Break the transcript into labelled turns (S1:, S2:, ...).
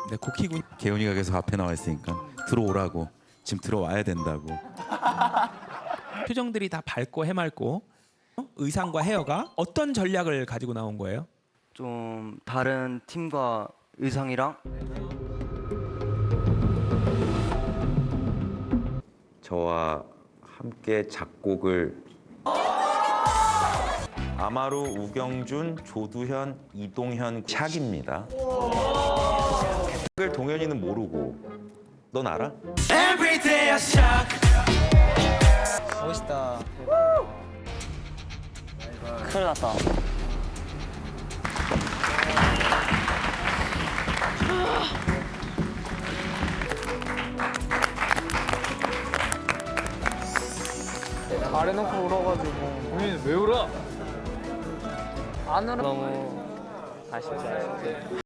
S1: 네, 고키군 개훈이가 계속 앞에 나와 있으니까 들어오라고, 지금 들어와야 된다고. 표정들이 다 밝고 해맑고 의상과 헤어가 어떤 전략을 가지고 나온 거예요?
S2: 좀 다른 팀과 의상이랑
S3: 저와 함께 작곡을 아마루, 우경준, 조두현, 이동현, 샥입니다. 을 동현이는 모르고 넌 알아?
S4: 멋있다.
S2: 큰일 났다.
S4: 잘해놓고 울어가지고. 본인은 왜 울어? 안 울어.
S2: 너무 아쉽지.